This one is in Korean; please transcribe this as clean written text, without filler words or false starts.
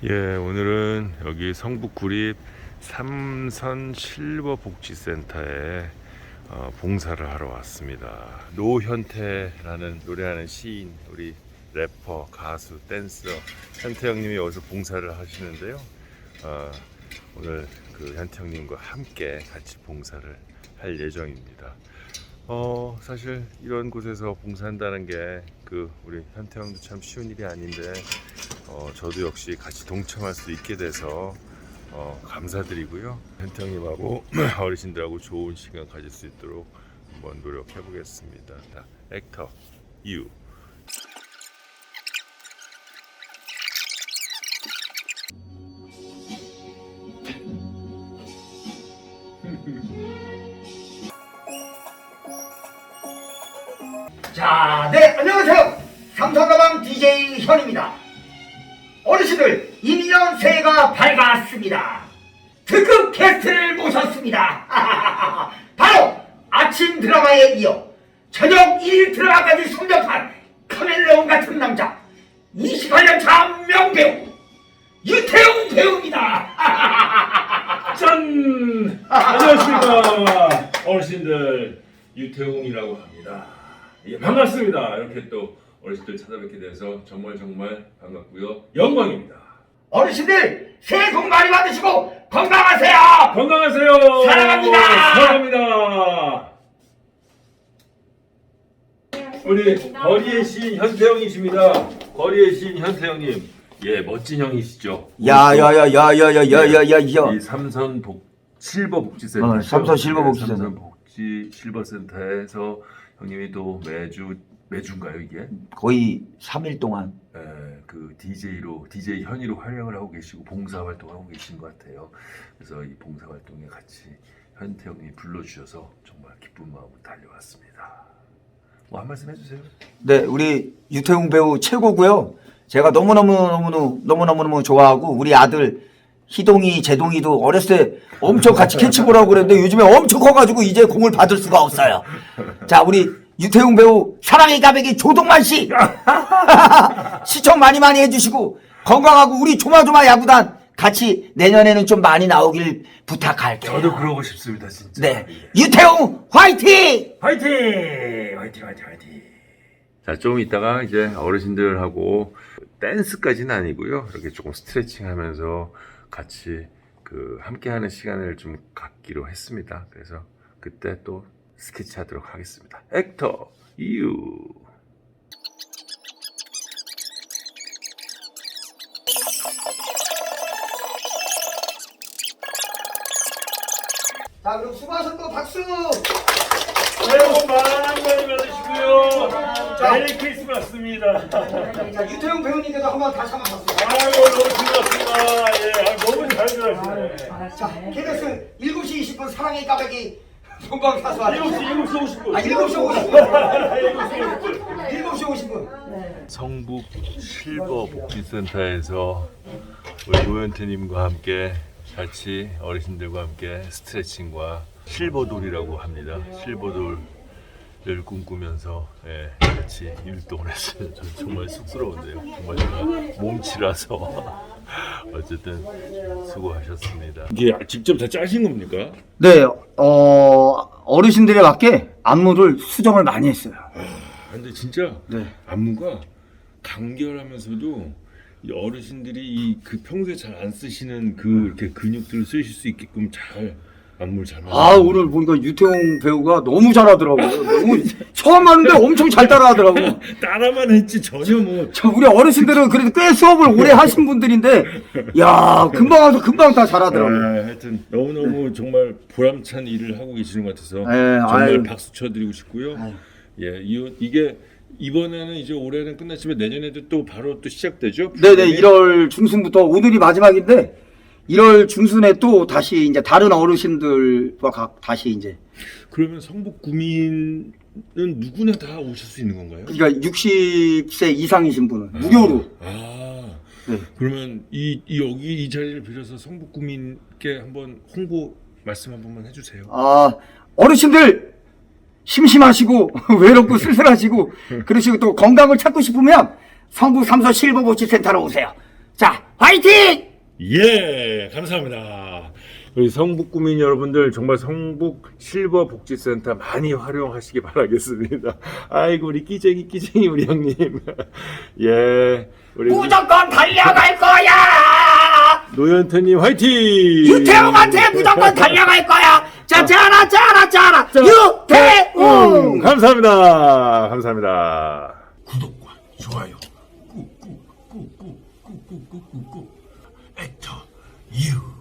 예, 오늘은 여기 성북 구립 삼선 실버 복지센터에 봉사를 하러 왔습니다. 노현태라는 노래하는 시인, 우리 래퍼, 가수, 댄서 현태 형님이 여기서 봉사를 하시는데요. 오늘 그 현태 형님과 함께 같이 봉사를 할 예정입니다. 사실 이런 곳에서 봉사한다는 게 우리 현태 형도 참 쉬운 일이 아닌데 저도 역시 같이 동참할 수 있게 돼서 감사드리고요. 현태 형님하고 어르신들하고 좋은 시간 가질 수 있도록 한번 노력해 보겠습니다. 액터 유. 자, 네, 안녕하세요. 삼성가방 DJ 현입니다. 어르신들, 2년 새해가 밝았습니다. 특급 게스트를 모셨습니다. 바로 아침 드라마에 이어 저녁 1일 드라마까지 섭렵한 카멜레온 같은 남자, 28년 차 명배우 유태웅 배우입니다. 짠! 안녕하십니까 어르신들, 유태웅이라고 합니다. 예, 반갑습니다. 이렇게 또 어르신들 찾아뵙게 돼서 정말 반갑고요. 영광입니다. 어르신들, 새해 복 많이 받으시고 건강하세요. 건강하세요. 사랑합니다. 사랑합니다. 우리 거리의 시인 현태형이십니다. 거리의 시인 현태형님, 예, 멋진 형이시죠. 야야야야야야야야야. 이 삼선 실버 복지센터. 삼선 실버 복지센터. 삼선 복지 실버센터에서 형님이 또 매주인가요 이게? 거의 3일 동안. 그 DJ 현이로 활약을 하고 계시고 봉사 활동을 하고 계신 것 같아요. 그래서 이 봉사 활동에 같이 현태 형님이 불러주셔서 정말 기쁜 마음으로 달려왔습니다. 뭐 한 말씀 해주세요. 네, 우리 유태웅 배우 최고고요. 제가 너무너무 좋아하고, 우리 아들 희동이, 재동이도 어렸을 때 엄청 같이 캐치볼하고 그랬는데 요즘에 엄청 커가지고 이제 공을 받을 수가 없어요. 자, 우리 유태웅 배우 사랑의 가백이 조동만 씨 시청 많이 해주시고 건강하고 우리 조마조마 야구단 같이 내년에는 좀 많이 나오길 부탁할게요. 저도 그러고 싶습니다, 진짜. 네, 유태웅 화이팅! 화이팅! 자, 좀 이따가 이제 어르신들하고 댄스까지는 아니고요. 이렇게 조금 스트레칭 하면서 같이 함께 하는 시간을 좀 갖기로 했습니다. 그래서 그때 또 스케치 하도록 하겠습니다. 액터 유. 자, 그럼 수고하셨고 박수. 새해 복 많이 받으시고요. 메리 크리스마스입니다. 자, 유태웅 배우님께도 한번 다시 한번 박수. 아이고, 너무 즐겁습니다. 예, 너무 잘 들었어요. 자, KBS 7시 20분 사랑의 까베기 본방사수 7시 50분. 7시 50분. 7시 50분. 성북 실버 복지센터에서 우리 노현태님과 함께 같이 어르신들과 함께 스트레칭과 실버돌이라고 합니다. 실버돌을 꿈꾸면서 같이 율동을 했어요. 저는 정말 쑥스러운데요. 정말 제가 몸치라서 어쨌든 수고하셨습니다. 이게 직접 다 짜신 겁니까? 네, 어르신들에 맞게 안무를 수정을 많이 했어요. 근데 진짜 네. 안무가 간결하면서도 이 어르신들이 평소에 잘 안 쓰시는 이렇게 근육들을 쓰실 수 있게끔 잘 안무를 잘 만들었어요. 오늘 보니까 유태웅 배우가 너무 잘하더라고요. 너무 처음 하는데 엄청 잘 따라하더라고. 따라만 했지 전혀 뭐. 우리 어르신들은 그래도 꽤 수업을 오래 하신 분들인데, 야, 금방 와서 금방 다 잘하더라고요. 하여튼 너무너무 정말 보람찬 일을 하고 계시는 것 같아서 정말 아유. 박수 쳐드리고 싶고요. 아유. 예, 이게 이번에는 이제 올해는 끝났지만 내년에도 또 바로 또 시작되죠? 네네, 1월 중순부터 오늘이 마지막인데, 1월 중순에 또 다시 이제 다른 어르신들과 다시 이제. 그러면 성북 구민은 누구나 다 오실 수 있는 건가요? 그러니까 60세 이상이신 분은 무료로. 네. 그러면 여기 이 자리를 빌어서 성북 구민께 한번 홍보 말씀 한 번만 해주세요. 어르신들 심심하시고 외롭고 쓸쓸하시고 그러시고 또 건강을 찾고 싶으면 성북 삼선 실버복지센터로 오세요. 자, 화이팅! 예, 감사합니다. 우리 성북 구민 여러분들 정말 성북 실버 복지센터 많이 활용하시기 바라겠습니다. 아이고 우리 끼쟁이 우리 형님. 예, 우리 무조건 달려갈 거야! 노현태님 화이팅! 유태웅한테 무조건 달려갈 거야! 자, 짜라! 유태웅! 감사합니다. 구독과 좋아요 꾹꾹꾹꾹꾹꾹꾹꾹 애터 유